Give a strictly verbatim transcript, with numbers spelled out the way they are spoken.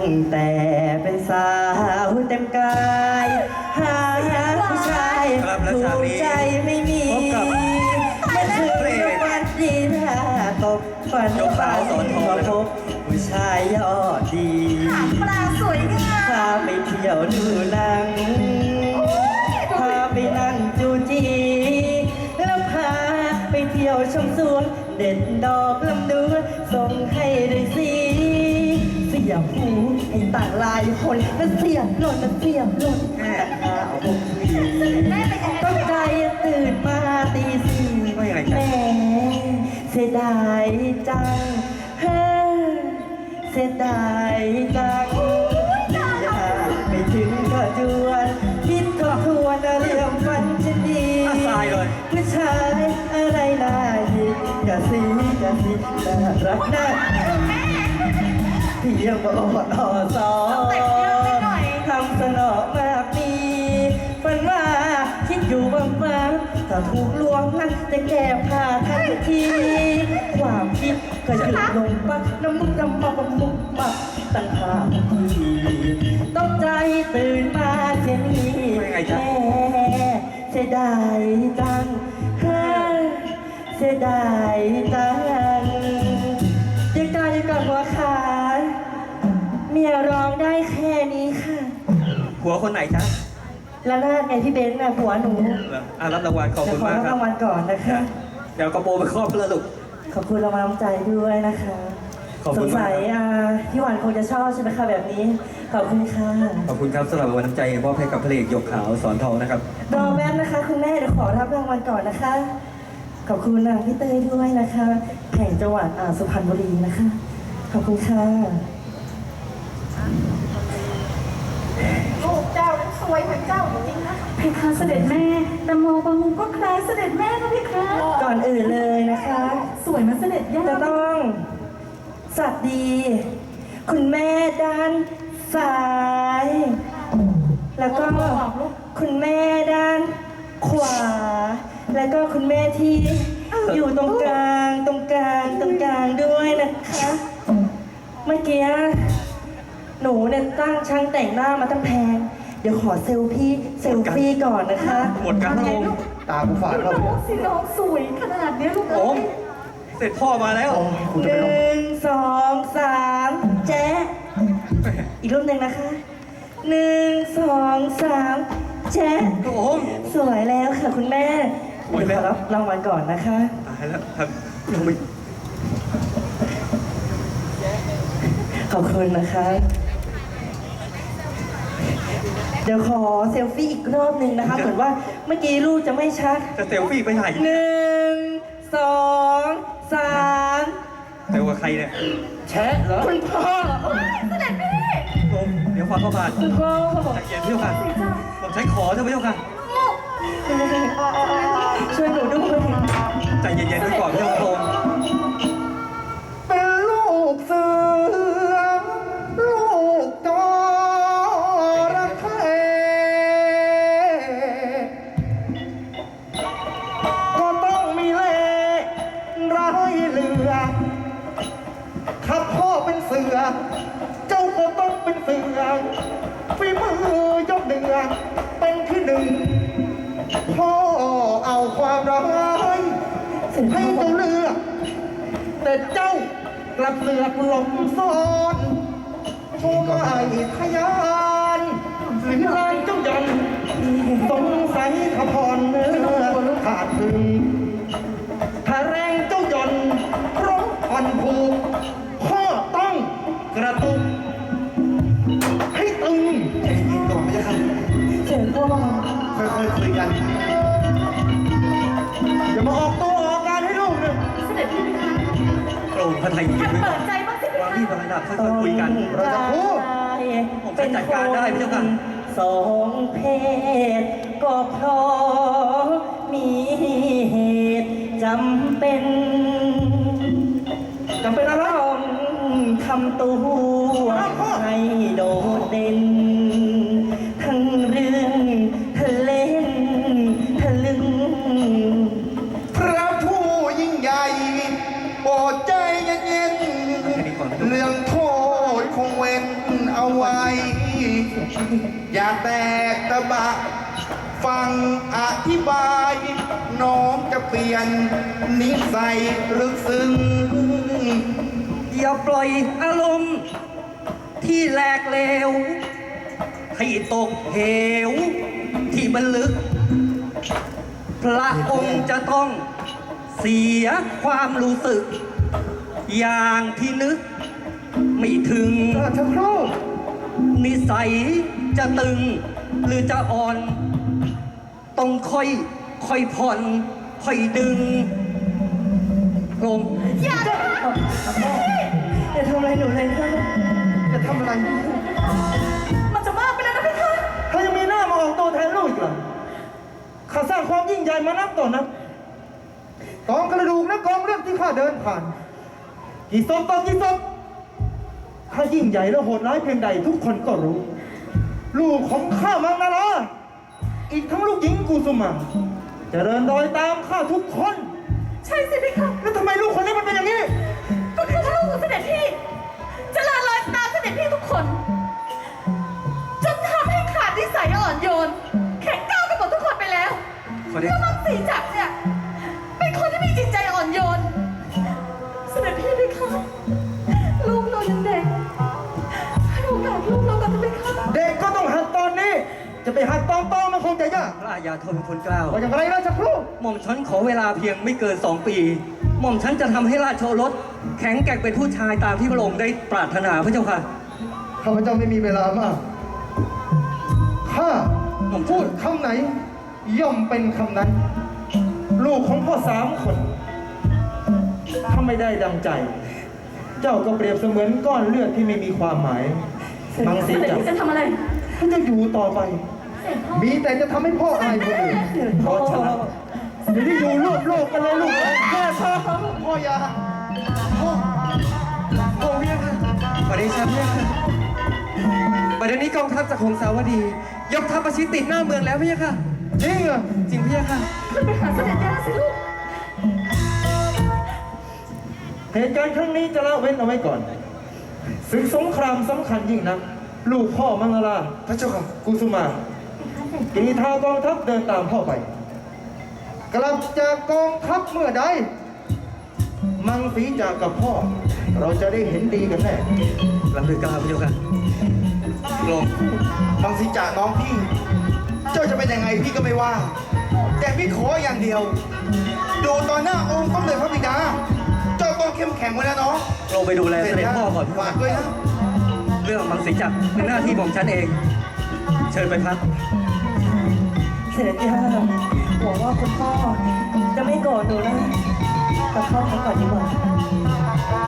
แต่เป็นสาวเต็มกายหาผู้ชายถูกใจไม่มีไม่ถึงวันดีถ้าตกฝันฝันมาพบผู้ชายยอดดีปลาสวยงามพาไปเที่ยวดูหนังพาไปนั่งจูจีแล้วพาไปเที่ยวชมสวนเด็ดดอกลำดวนส่งให้ด้วยสิเสียหูไอ้ต่างลายคนก็เสียหล่นเสียหล่นแต่หาเอาบุกทีต้องใจตื่นมาตีสี่แม่เสียดายจังเฮ้เสียดายจังอยากไปถึงก็จวนคิดทบทวนเรื่องฝันฉันดีผู้ชายอะไรน่าหิดกะสีกะสีน่ารักน่าเพียงบอกอ่อซอทำสนอมากมีฝันว่าคิดอยู่บางฟ้าถ้าถูกลวงนั้นจะแก้ผ้าทันทีความคิดก็หยุดลงปักน้ำมุกน้ำมาบมุกปักตั้งหาทีต้องใจตื่นมาเช่นนี้แม่เสียดายจังเสียดายจังยังการยังก่อนหัวขาเมียร้องได้แค่นี้ค่ะหัวคนไหนจ๊ะละนาดไงพี่เบนซ์น่ะผัวหนูอ่ารับรางวัลขอบคุณมากครับขอรับรางวัลก่อนนะคะเดี๋ยวกระโปรงไปครอบเพื่อลูกขอบคุณรางวัลน้ำใจด้วยนะคะสงสัยพี่หวานคงจะชอบใช่ไหมคะแบบนี้ขอบคุณค่ะขอบคุณครับสำหรับรางวัลน้ำใจมอบให้กับพระเอกหยกขาวสอนทองนะครับรอแป๊บนะคะคุณแม่เดี๋ยวขอรับรางวัลก่อนนะคะขอบคุณนะพี่เต้ยด้วยนะคะแห่งจังหวัดสุพรรณบุรีนะคะขอบคุณค่ะลูกเจ้านั้นสวยเหมือนเจ้าจริงนะเพคะเสด็จแม่แต่มองบางมุมก็คล้ายเสด็จแม่นะเพคะก่อนอื่นเลยนะคะสวยมาเสด็จย่าจะต้องสวัสดี คุณแม่ด้านซ้าย แล้วก็คุณแม่ด้านขวา แล้วก็คุณแม่ที่อยู่ตรงกลางตรงกลางตรงกลางด้วยนะคะเมื่อกี้หนูเนี่ยตั้งช่างแต่งหน้ามาตั้งแพงเดี๋ยวขอเซลฟี่เซลฟี่ก่อนนะคะหมดกันแล้วตาผู้ฝาดเราเนี่ยสิน้องสวยขนาดนี้ลูกโอ้เสร็จพ่อมาแล้วหนึ่งสองสามแจ๊ะอีกรูปหนึ่งนะคะหนึ่งสองสามแจ๊ะสวยแล้วค่ะคุณแม่ขอรับรางวัลก่อนนะคะตายแล้วครับยังไม่ขอบคุณนะคะเดี๋ยวขอเซลฟี่อีกรอบหนึ่งนะคะเหมือนว่าเมื่อกี้ลูกจะไม่ชัดจะเซลฟี่ไปไหนหนึ่งสองสามเซลกับใครเนี่ยแชะเหรอคุณพ่อเสด็จแม่เดี๋ยวฟังเข้ามาคุณพ่อเขาบอกจะเกียรติเที่ยวกันผมใช้ขอเท่าไหร่เที่ยวกันช่วยหนูด้วยใจเย็นๆด้วยก่อนเที่ยวโคมเป็นลูกเสือลูกจระเข้ก็ต้องมีเล่ห์ร้ายเหลือถ้าพ่อเป็นเสือเจ้าก็ต้องเป็นเสือฝีมือยกเหนือเป็นที่หนึ่งพ่อเอาความร้ายให้เจ้าเลือกแต่เจ้ากลับเสือกหลงซ่อนโชว์ไม่ทยานสิลานเจ้ายันสงสัยขพรเนื้อขาดถึงถ้าแรงเจ้ายันเพราะอ่อนผูกพ่อต้องกระตุกให้ตึงใจเย็นก่อนไม่ใช่ครับเจ๋งพ่อค่อยๆคุยกันอย่ามาออกตัวออกการให้ลูกเลยเสด็จพี่คะโปร่งพระไทยยืนด้วยก่อนเปิดใจบ้างสิวางที่วางระดับค่อยๆคุยกันเราจะพูดผมจะจัดการได้ไม่ใช่กันสองเพศก็เพราะมีเหตุจำเป็นจำเป็นอะไรทำตัวให้โดดเด่นทั้งเรื่องทะเล่นทะลึงพระผู้ยิ่งใหญ่โปรดใจเย็นๆเรื่องโทษคงเว้นเอาอย่าแตกตะบะ ฟังอธิบาย น้องจะเปลี่ยนนิสัยลึกซึ้งอย่าปล่อยอารมณ์ที่แหลกเลวให้ตกเหวที่มันลึก พระองค์จะต้องเสียความรู้สึก อย่างที่นึกไม่ถึงราชครูนิสัยจะตึงหรือจะอ่อน ต้องค่อยค่อยผ่อนค่อยดึงลงอย่านะอย่าทำอะไรหนูเลยครับจะทำอะไรมันจะมากไปแล้วนะพี่คะถ้ายังมีหน้ามาออกตัวแทนลูกอีกเหรอข้าสร้างความยิ่งใหญ่มานับต่อนับกองกระดูกและกองเลือดที่ข้าเดินผ่าน กี่ศพต่อกี่ศพข้ายิ่งใหญ่และโหดร้ายเพียงใดทุกคนก็รู้ ลูกของข้ามังนาราอีกทั้งลูกหญิงกุสุมาเจริญรอยตามข้าทุกคนใช่สิพี่คะแล้วทำไมลูกคนนี้มันเป็นอย่างนี้ก็คือลูกของเสด็จพี่จะลาลอยตามเสด็จพี่ทุกคนจนทำให้ขาดนิสัยอ่อนโยน แข็งก้าวกันหมดทุกคนไปแล้วขอได้แล้วมังสีจักรเนี่ยเป็นคนที่มีจิตใจอ่อนโยน เสด็จพี่พี่คะลูกเรายังเด็กให้โอกาสลูกเรากันไหมคะเด็กก็ต้องหัดตอนนี้ จะไปหัดตอนโตมันคงจะยากพระอาญาโทษเป็นคนกล้าวว่าอย่างไรราชครูหม่อมฉันขอเวลาเพียงไม่เกินสองปี หม่อมฉันจะทำให้ราชโอรสแข็งแกร่งเป็นผู้ชายตามที่พระองค์ได้ปรารถนาพระเจ้าค่ะข้าพเจ้าไม่มีเวลามาก ข้าหม่อมฉัพูนดคำไหน ย่อมเป็นคำนั้น ลูกของพ่อสามคน ถ้าไม่ได้ดังใจ เจ้าก็เปรียบเสมือนก้อนเลือดที่ไม่มีความหมายมังเสสีด็จจักรพี่จะทำอะไรท่านจะอยู่ต่อไป มีแต่จะทำให้พ่ออายคนอื่นเพราะฉะนั้นเดี๋ยวนี้อยู่ร่วมโลกกันเลยลูกแค่พ่อพ่ออย่าพ่อโอ้เพียค่ะขอเดชะเพียค่ะบัดเดี๋ยวนี้กองทัพจากหงสาวดี ยกทัพประชิดติดหน้าเมืองแล้วเพียค่ะจริงเหรอจริงเพียค่ะขึ้นไปหาเสด็จย่าสิลูกเหตุการณ์ครั้งนี้จะละเว้นเอาไว้ก่อนศึกสงครามสำคัญยิ่งนัก ลูกพ่อมังลาพระเจ้าค่ะกุสุมากีทากองทัพเดินตามพ่อไป กลับจากกองทัพเมื่อใด มังสีจากกับพ่อ เราจะได้เห็นดีกันแน่ลำดึกกล้าวพระเจ้าค่ะลงบางสิจ่าน้องพี่ เจ้าจะเป็นยังไงพี่ก็ไม่ว่า แต่พี่ขออย่างเดียว ดูตอนหน้าองค์ต้องเลยพระบิดา เจ้าต้องเข้มแข็งไว้นะน้องลงไปดูแลเสด็จพ่อก่อนฝากด้วยนะเรื่องมังสีจักรเป็นหน้าที่ของฉันเอง เชิญไปพักเสด็จย่าหวังว่าคุณพ่อจะไม่โกรธหนูนะกลับเข้าพักก่อนดีกว่า